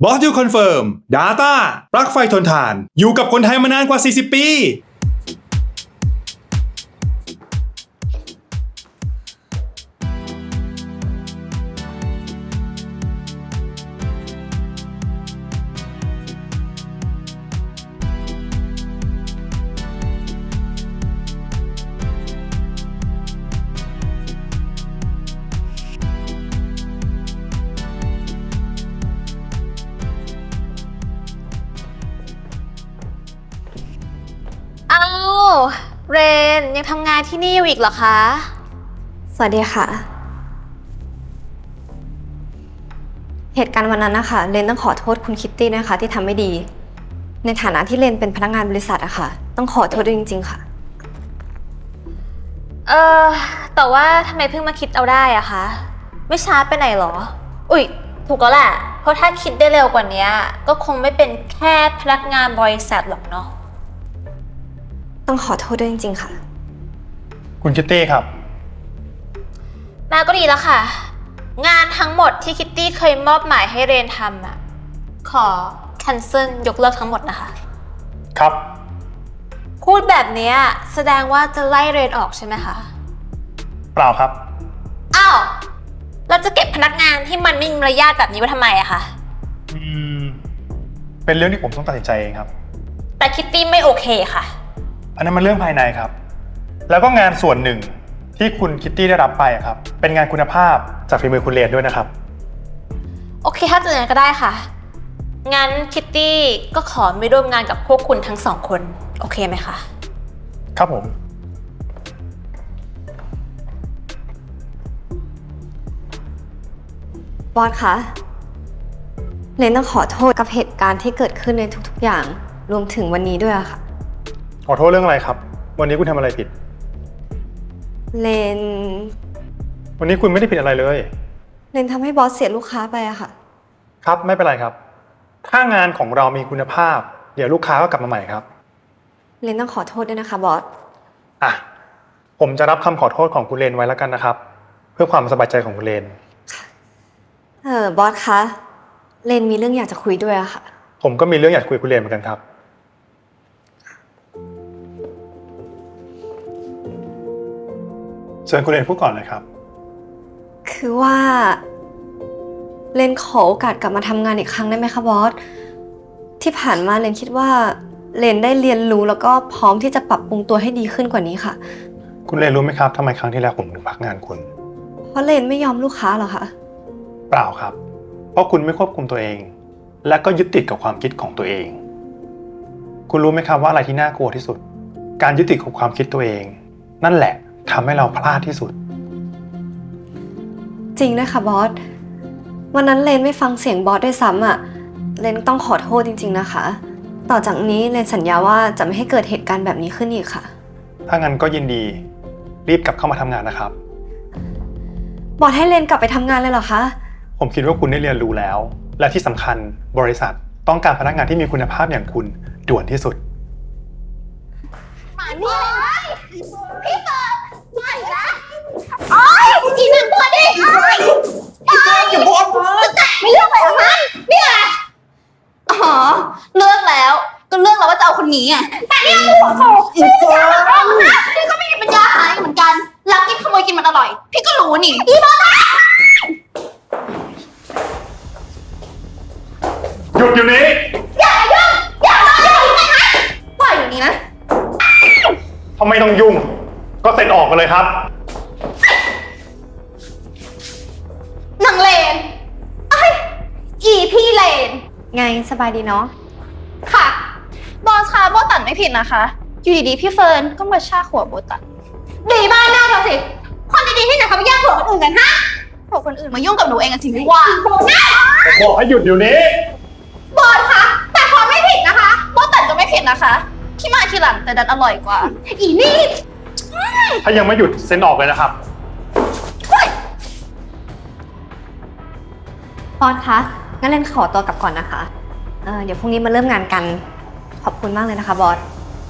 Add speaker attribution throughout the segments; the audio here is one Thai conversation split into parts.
Speaker 1: บอสยูคอนเฟิร์ม Data ปลั๊กไฟทนทาน อยู่กับคนไทยมานานกว่า 40 ปี
Speaker 2: อ้าวเรนยังทำงานที่นี่อยู่อีกเหรอคะ
Speaker 3: สวัสดีค่ะ เหตุการณ์วันนั้นนะคะเรนต้องขอโทษคุณคิตตี้นะคะที่ทำไม่ดี ในฐานะที่เรนเป็นพนักงานบริษัทอะค่ะ ต้องขอโทษด้วยจริงๆค่ะ
Speaker 2: เออแต่ว่าทำไมเพิ่งมาคิดเอาได้อะคะ ไม่ช้าไปไหนหรอ อุ๊ยถูกแล้วแหละ เพราะถ้าคิดได้เร็วกว่านี้ก็คงไม่เป็นแค่พนักงานบริษัทหรอกเนาะ
Speaker 3: ต้องขอโทษด้วยจริงๆค่ะ
Speaker 1: คุณคิตตี้ครับ
Speaker 2: มาก็ดีแล้วค่ะ งานทั้งหมดที่คิตตี้เคยมอบหมายให้เรนทำอะขอ cancel ยกเลิกทั้งหมดนะคะ
Speaker 1: ครับ
Speaker 2: พูดแบบนี้แสดงว่าจะไล่เรนออกใช่ไหมคะ
Speaker 1: เปล่าครับ
Speaker 2: อ้าวเราจะเก็บพนักงานที่มันไม่มีมารยาทแบบนี้ไว้ทำไมอะคะ
Speaker 4: เป็นเรื่องที่ผมต้องตัดสินใจเองครับ
Speaker 2: แต่คิตตี้ไม่โอเคค่ะ
Speaker 4: อันนั้นมันเรื่องภายในครับ แล้วก็งานส่วนหนึ่งที่คุณคิตตี้ได้รับไปอะครับ เป็นงานคุณภาพจากฝีมือคุณเรนด้วยนะครับ
Speaker 2: โอเคถ้าจะอย่างนั้นก็ได้ค่ะ งั้นคิตตี้ก็ขอไม่ร่วมงานกับพวกคุณทั้งสองคน โอเคไหมคะ
Speaker 4: ครับผม
Speaker 3: บอสคะเรนต้องขอโทษกับเหตุการณ์ที่เกิดขึ้นในทุกๆอย่าง รวมถึงวันนี้ด้วยอะค่ะ
Speaker 4: ขอโทษเรื่องอะไรครับ วันนี้คุณทำอะไรผิด
Speaker 3: เรน
Speaker 4: วันนี้คุณไม่ได้ผิดอะไรเลย
Speaker 3: เรนทำให้บอสเสียลูกค้าไปอะค่ะ
Speaker 4: ครับ ไม่เป็นไรครับ ถ้างานของเรามีคุณภาพ เดี๋ยวลูกค้าก็กลับมาใหม่ครับ
Speaker 3: เรนต้องขอโทษด้วยนะคะบอส
Speaker 4: อ่ะ ผมจะรับคำขอโทษของคุณเรนไว้แล้วกันนะครับ เพื่อความสบายใจของคุณเรน
Speaker 3: บอสคะเรนมีเรื่องอยากจะคุยด้วยอะค่ะ
Speaker 4: ผมก็มีเรื่องอยากคุยกับคุณเรนเหมือนกันครับ เชิญคุณเรนพูดก่อนเลยครับ
Speaker 3: คือว่าเรนขอโอกาสกลับมาทำงานอีกครั้งได้ไหมคะบอส ที่ผ่านมาเรนคิดว่าเรนได้เรียนรู้แล้วก็พร้อมที่จะปรับปรุงตัวให้ดีขึ้นกว่านี้ค่ะ
Speaker 4: คุณเรนรู้ไหมครับทำไมครั้งที่แล้วผมถึงพักงานคุณ
Speaker 3: เพราะเรนไม่ยอมลูกค้าเหรอคะ
Speaker 4: เปล่าครับ เพราะคุณไม่ควบคุมตัวเอง และก็ยึดติดกับความคิดของตัวเอง คุณรู้ไหมครับว่าอะไรที่น่ากลัวที่สุด การยึดติดกับความคิดตัวเอง นั่นแหละทำให้เราพลาดที่สุด
Speaker 3: จริงด้วยค่ะบอส วันนั้นเรนไม่ฟังเสียงบอสด้วยซ้ำอ่ะ เรนต้องขอโทษจริงๆนะคะ ต่อจากนี้เรนสัญญาว่าจะไม่ให้เกิดเหตุการณ์แบบนี้ขึ้นอีกค่ะ
Speaker 4: ถ้างั้นก็ยินดีรีบกลับเข้ามาทำงานนะครับ
Speaker 3: บอสให้เรนกลับไปทำงานเลยเหรอคะ
Speaker 4: ผมคิดว่าคุณได้เรียนรู้แล้ว และที่สำคัญบริษัทต้องการพนักงานที่มีคุณภาพอย่างคุณด่วนที่สุด
Speaker 5: มานี่เลยพี่เฟิร์นไม่นะโอ๊ยอีหนังตัวดิโอ๊ยอย่าบอกมาแต่ไม่เลือกเลยเหรอคะเนี่ยอ๋อเลือกแล้วก็เลือกแล้วว่าจะเอาคนนี้ไงแต่เนี่ยคือหัวโตพี่เฟิร์นพี่ก็ไม่มีปัญญาหาเหมือนกันรักกินขโมยกินมันอร่อยพี่ก็รู้นี่อีบ้า
Speaker 4: หยุดอยู่นี้
Speaker 5: อย่ายุ่งอย่ามายุ่งนะคะปล่อยอยู่นี้นะ
Speaker 4: ทำไมต้องยุ่ง ก็เซ็นออกมาเลยครับ
Speaker 5: นางเลนไอ้ยอีพี่เลน
Speaker 3: ไงสบายดีเนาะ
Speaker 5: ค่ะ บอสคะโบตันไม่ผิดนะคะ อยู่ดีๆพี่เฟิร์นก็มาชากหัวโบตันดีบ้านหน้าเราสิคนดีๆที่ไหนเขาไปแย่งผัวคนอื่นกันฮะผัวคนอื่นมายุ่งกับหนูเองกันจริงไม่ว่านะ
Speaker 4: ผมบอกให้หยุดอยู่นี้
Speaker 5: บอสคะแต่เขาไม่ผิดนะคะโบตันก็ไม่ผิดนะคะที่มาทีหลังแต่ดันอร่อยกว่า อีนี่
Speaker 4: ถ้ายังไม่หยุดเซ็นออกเลยนะครับ
Speaker 3: บอสคะงั้นเรนขอตัวกลับก่อนนะคะ เดี๋ยวพรุ่งนี้มาเริ่มงานกัน ขอบคุณมากเลยนะคะบอส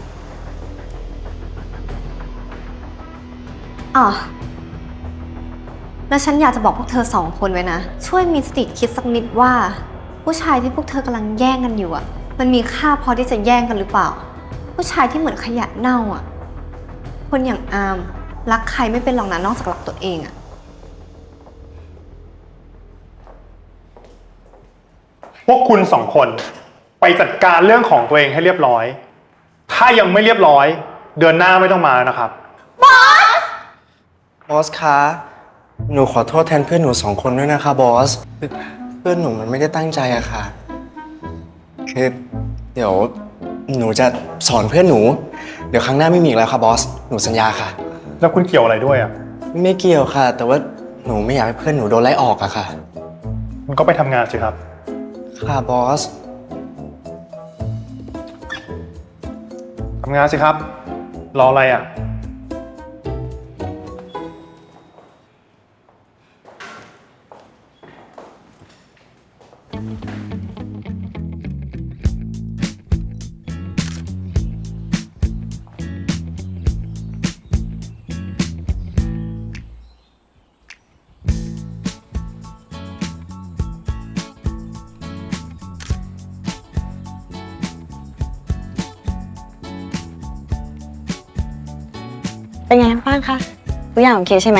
Speaker 3: อ๋อ แล้วฉันอยากจะบอกพวกเธอสองคนไว้นะ ช่วยมีสติคิดสักนิดว่าผู้ชายที่พวกเธอกำลังแย่งกันอยู่อะมันมีค่าพอที่จะแย่งกันหรือเปล่า ผู้ชายที่เหมือนขยะเน่าอะคนอย่างอามรักใครไม่เป็นหรอกนะนอกจากรักตัวเองอะ
Speaker 4: พวกคุณสองคนไปจัดการเรื่องของตัวเองให้เรียบร้อย ถ้ายังไม่เรียบร้อย เดือนหน้าไม่ต้องมาแล้วนะครับ
Speaker 6: บอสคะ หนูขอโทษแทนเพื่อนหนูสองคนด้วยนะคะบอส เพื่อนหนูมันไม่ได้ตั้งใจอะค่ะ คือเดี๋ยวหนูจะสอนเพื่อนหนู เดี๋ยวครั้งหน้าไม่มีอีกแล้วค่ะบอส หนูสัญญาค่ะ
Speaker 4: แล้วคุณเกี่ยวอะไรด้วยอ่ะ
Speaker 6: ไม่เกี่ยวค่ะ แต่ว่าหนูไม่อยากให้เพื่อนหนูโดนไล่ออกอะค่ะ
Speaker 4: คุณก็ไปทำงานสิครับ
Speaker 6: ค่ะบอส
Speaker 4: ทำงานสิครับ รออะไรอ่ะ
Speaker 7: เป็นไงบ้างคะทุกอย่างโอเคใช่ไหม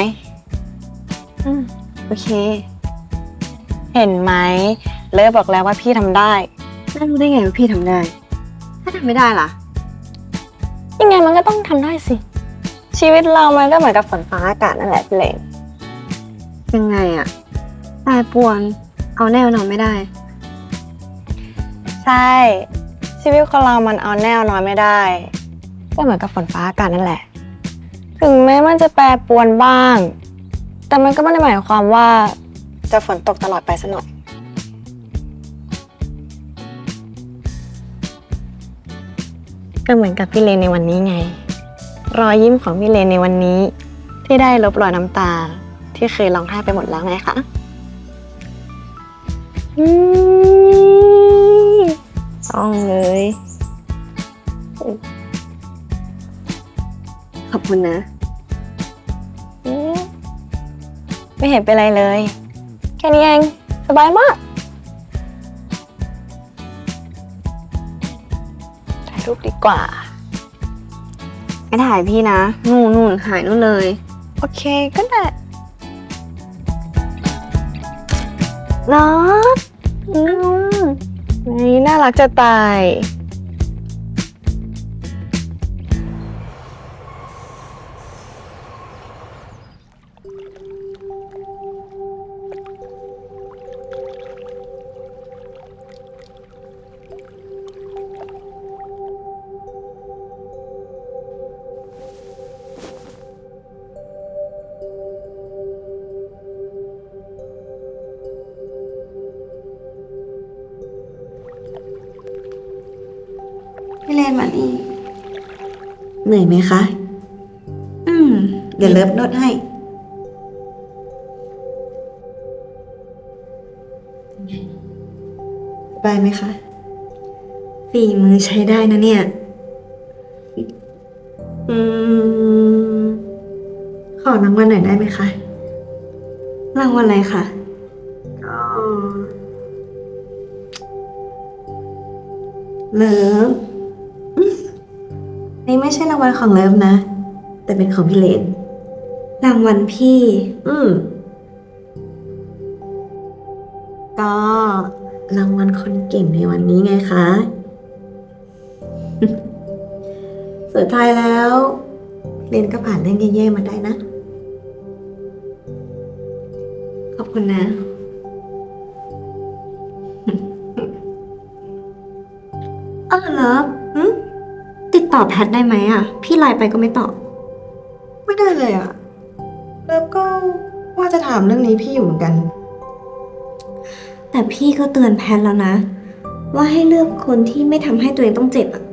Speaker 3: โอเค
Speaker 7: เห็นไหมเลิฟบอกแล้วว่าพี่ทำได้
Speaker 3: น่ารู้ได้ไงว่าพี่ทำได้ ถ้าทำไม่ได้ล่ะ
Speaker 7: ยังไงมันก็ต้องทำได้สิ ชีวิตเรามันก็เหมือนกับฝนฟ้าอากาศนั่นแหละพี่เลน
Speaker 3: ยังไงอะแปรปรวนเอาแน่นอนไม่ได้
Speaker 7: ใช่ ชีวิตคนเรามันเอาแน่นอนไม่ได้ ก็เหมือนกับฝนฟ้าอากาศนั่นแหละ ถึงแม้มันจะแปรปรวนบ้าง แต่มันก็ไม่ได้หมายความว่าจะฝนตกตลอดไปซะหน่อย ก็เหมือนกับพี่เลนในวันนี้ไง รอยยิ้มของพี่เลนในวันนี้ ที่ได้ลบรอยน้ำตาที่เคยร้องไห้ไปหมดแล้วไงคะต้องเลย
Speaker 3: ขอบคุณนะ
Speaker 7: ไม่เห็นเป็นไรเลย แค่นี้เอง สบายมากถ่ายรูปดีกว่า
Speaker 3: ไม่ถ่ายพี่นะ นู่นหายนู่นเลย
Speaker 7: โอเคก็ได้
Speaker 3: รัก
Speaker 7: นี่น่ารักจะตาย
Speaker 8: พี่เลนมานี่เหนื่อยไหมคะ เดี๋ยวเลิฟนวดให้ สบายไหมคะ ฝีมือใช้ได้นะเนี่ย ขอรางวัลหน่อยได้ไหมคะ
Speaker 3: รางวัลอะไรคะ
Speaker 8: ก็เลิฟนี่ไม่ใช่รางวัลของเลิฟนะ แต่เป็นของพี่เลน
Speaker 3: รางวัลพี่
Speaker 8: ก็รางวัลคนเก่งในวันนี้ไงคะ สุดท้ายแล้วเรียนก็ผ่านเรื่องแย่ๆมาได้นะ
Speaker 3: ขอบคุณนะ เลิฟติดต่อแพทได้ไหมอ่ะ พี่ไลน์ไปก็ไม่ตอบ
Speaker 8: ไม่ได้เลยอะเลิฟก็ว่าจะถามเรื่องนี้พี่อยู่เหมือนกัน
Speaker 3: แต่พี่ก็เตือนแพทแล้วนะ ว่าให้เลือกคนที่ไม่ทำให้ตัวเองต้องเจ็บอ่ะ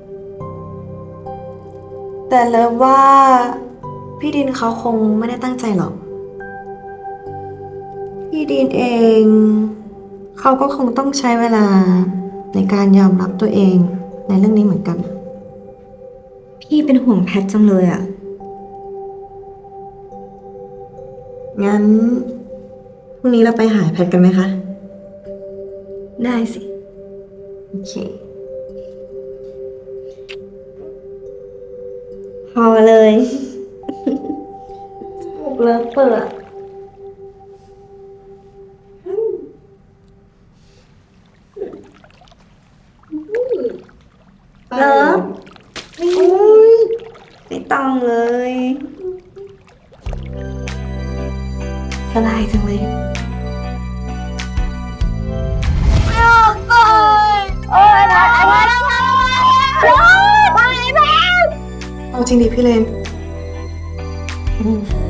Speaker 8: แต่เลิฟว่าพี่ดินเขาคงไม่ได้ตั้งใจหรอก พี่ดินเองเขาก็คงต้องใช้เวลาในการยอมรับตัวเองในเรื่องนี้เหมือนกัน
Speaker 3: พี่เป็นห่วงแพทจังเลยอ่ะ
Speaker 8: งั้นพรุ่งนี้เราไปหาแพทกันไหมคะได้สิ โอเค พอเลยถูกเลิฟเปิดเลิฟไม่ต้องเลย สบายจังเลย เอาจริงดิพี่เลน